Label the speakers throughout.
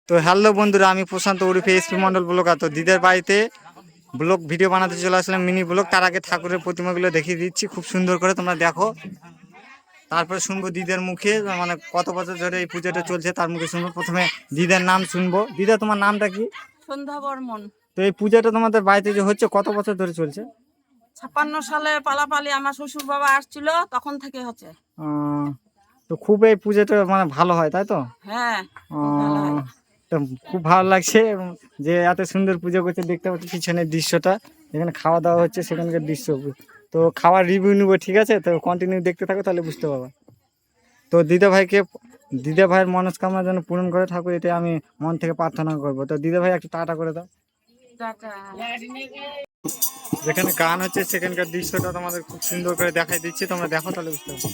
Speaker 1: তো হ্যালো বন্ধুরা, আমি প্রশান্ত ওরফে এসপি মন্ডল ব্লগার। তো দিদের বাড়িতে ব্লগ ভিডিও বানাতে চলে আসলাম, মিনি ব্লগ। তার আগে ঠাকুরের প্রতিমাগুলো দেখিয়ে দিচ্ছি খুব সুন্দর করে, তোমরা দেখো। তারপরে শুনবো দিদের মুখে, মানে কত বছর ধরে এই পুজোটা চলছে তার মুখে শুনবো। প্রথমে দিদার নাম শুনবো। দিদা, তোমার নামটা কি?
Speaker 2: সন্ধ্যা বর্মন।
Speaker 1: তো এই পুজোটা তোমাদের বাড়িতে যে হচ্ছে কত বছর ধরে চলছে?
Speaker 2: 56 সালে পালাপালি আমার শ্বশুর বাবা আসছিল, তখন থেকে হচ্ছে।
Speaker 1: তো খুব এই পুজোটা মানে ভালো হয়, তাই তো?
Speaker 2: হ্যাঁ, খুব ভালো হয়।
Speaker 1: তো খুব ভালো লাগছে যে এত সুন্দর পুজো করছে। দেখতে পাচ্ছি পিছনের দৃশ্যটা, এখানে খাওয়া দাওয়া হচ্ছে, সেখানকার দৃশ্য। তো খাওয়ার রিভিউ নিবো, ঠিক আছে? তো কন্টিনিউ দেখতে থাকো, তাহলে বুঝতে পারবা। তো দিদা ভাইয়ের মনস্কামনা যেন পূরণ করে ঠাকুর, এটা আমি মন থেকে প্রার্থনা করবো। তো দিদা ভাই একটু টাটা করে দাও।
Speaker 2: টাটা।
Speaker 1: যেখানে গান হচ্ছে সেখানকার দৃশ্যটা তোমাদের খুব সুন্দর করে দেখাই দিচ্ছি, তোমরা দেখো, তাহলে বুঝতে পারবে।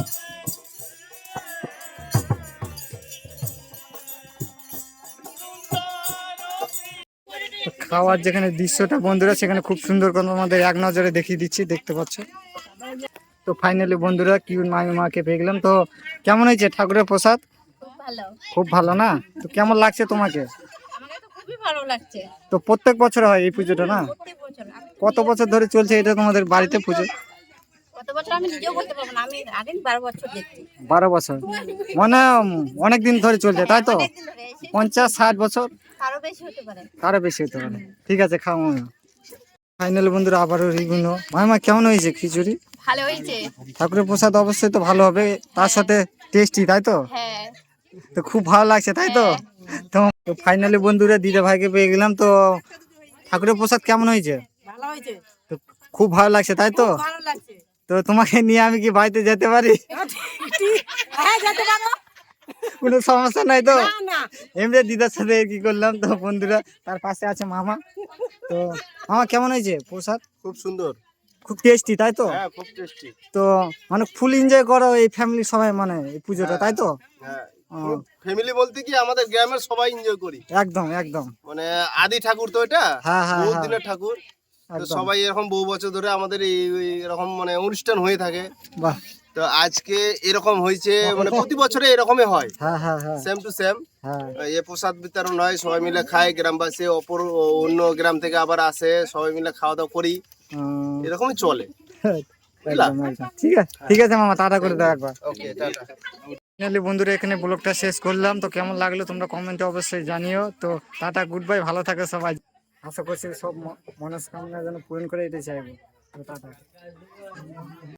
Speaker 1: খাওয়ার যেখানে দৃশ্যটা বন্ধুরা, সেখানে খুব সুন্দর করে আমাদের এক নজরে দেখিয়ে দিচ্ছি, দেখতে পাচ্ছ। তো ফাইনালি বন্ধুরা কিউট মাকে পেয়ে গেলাম। তো কেমন হয়েছে ঠাকুরের প্রসাদ? খুব ভালো না? তো কেমন লাগছে তোমাকে?
Speaker 3: খুবই ভালো লাগছে।
Speaker 1: তো প্রত্যেক বছর হয় এই পুজোটা না? কত বছর ধরে চলছে এটা তোমাদের বাড়িতে পুজো?
Speaker 3: কত বছর আমি নিজেও বলতে পারবো না, আমি আগে 12 বছর দেখছি।
Speaker 1: 12 বছর মানে অনেক দিন ধরে চলছে, তাই তো? 50-60 বছর,
Speaker 3: আরো বেশি হতে পারে।
Speaker 1: আরো বেশি হতে পারে। ঠিক আছে, খাও। ফাইনালি বন্ধুরা আবারও রিগুনো। মামা, কেমন হয়েছে খিচুড়ি?
Speaker 3: ভালো হয়েছে।
Speaker 1: ঠাকুরের প্রসাদ অবশ্যই তো ভালো হবে, তার সাথে টেস্টি, তাই তো?
Speaker 3: হ্যাঁ।
Speaker 1: তো খুব ভালো লাগছে, তাই তো? তো ফাইনালি বন্ধুরা দিদা ভাইকে পেয়ে গেলাম। তো ঠাকুরের প্রসাদ কেমন হয়েছে?
Speaker 2: ভালো হয়েছে।
Speaker 1: তো খুব ভালো লাগছে, তাই তো?
Speaker 2: ভালো লাগছে।
Speaker 1: তো তোমাকে নিয়ে আমি কি বাড়িতে যেতে পারি?
Speaker 2: হ্যাঁ, যেতে পারো।
Speaker 1: কোনো সমস্যা নাই তো?
Speaker 2: না, না।
Speaker 1: এমনি দিদার সাথে কি করলাম। তো বন্ধুরা তার পাশে আছে মামা। তো মামা, কেমন হয়েছে প্রসাদ?
Speaker 4: খুব সুন্দর,
Speaker 1: খুব টেস্টি, তাই তো?
Speaker 4: হ্যাঁ খুব টেস্টি।
Speaker 1: তো মানে ফুল এনজয় করো এই ফ্যামিলি সবাই, মানে এই পুজোটা, তাই তো?
Speaker 4: হ্যাঁ,
Speaker 1: ও,
Speaker 4: ফ্যামিলি বলতে কি আমাদের গ্রামের সবাই এনজয় করি।
Speaker 1: একদম একদম।
Speaker 4: মানে আদি ঠাকুর তো এটা,
Speaker 1: হ্যাঁ, হ্যাঁ,
Speaker 4: বহু
Speaker 1: হ্যাঁ।
Speaker 4: দিনের ঠাকুর। তো
Speaker 1: একদম।
Speaker 4: সবাই এরকম বহু বছর ধরে আমাদের এরকম মানে অনুষ্ঠান হয়ে থাকে।
Speaker 1: বাহ।
Speaker 4: তো আজকে এরকম হয়েছে, মানে প্রতি বছরে এরকমই হয়,
Speaker 1: হ্যাঁ, হ্যাঁ, হ্যাঁ,
Speaker 4: সেম টু সেম।
Speaker 1: হ্যাঁ।
Speaker 4: এ প্রসাদ বিতরণ হয়, সবাই মিলে খায়, গ্রামবাসী অন্য গ্রাম থেকে আবার আসে, সবাই মিলে খাওয়া দাওয়া করি,
Speaker 1: উম,
Speaker 4: এরকমই চলে।
Speaker 1: একদম একদম। ঠিক আছে, ঠিক আছে মামা, টাটা করে দাও একবার।
Speaker 4: ওকে, টাটা।
Speaker 1: ফাইনালি বন্ধুরা এখানে ব্লগটা শেষ করলাম। তো কেমন লাগলো তোমরা কমেন্টে অবশ্যই জানিও। তো টাটা, গুড বাই, ভালো থাকে সবাই। আশা করছি সব মনস্কামনা যেন পূরণ করে, এটাই চাইবো। তো টাটা।